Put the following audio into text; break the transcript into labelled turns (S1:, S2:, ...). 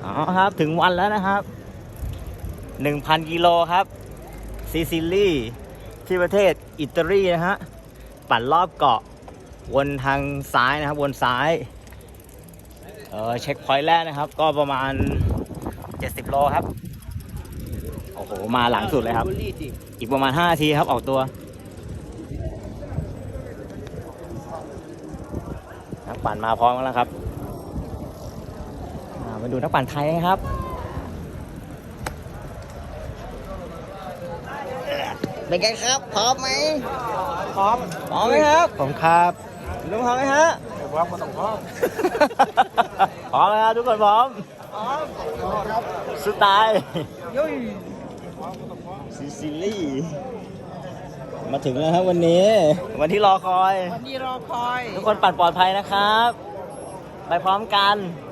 S1: อ๋อครับถึงวันแล้วนะครับ 1,000 กิโลครับซิซิลีที่ประเทศอิตาลีนะฮะปั่นรอบเกาะวนทางซ้ายนะครับวนซ้ายเช็คพอยต์แรกนะครับก็ประมาณ70 โลครับโอ้โหมาหลังสุดเลยครับอีกประมาณ5 นาทีครับออกตัวนักปั่นมาพร้อมแล้วครับมาดูนักปั่นไทยนะครับเป็นไงครับพร้อมไหมพร้อมไหมครับผมครับลุงพร้อมไหมฮะพร้อมก็ต้องพร้อมพร้อมไหมครับทุกคนพร้อมครับสไตล์ซิซิลีมาถึงแล้วครับวันนี้วันที่รอคอยทุกคนปั่นปลอดภัยนะครับไปพร้อมกัน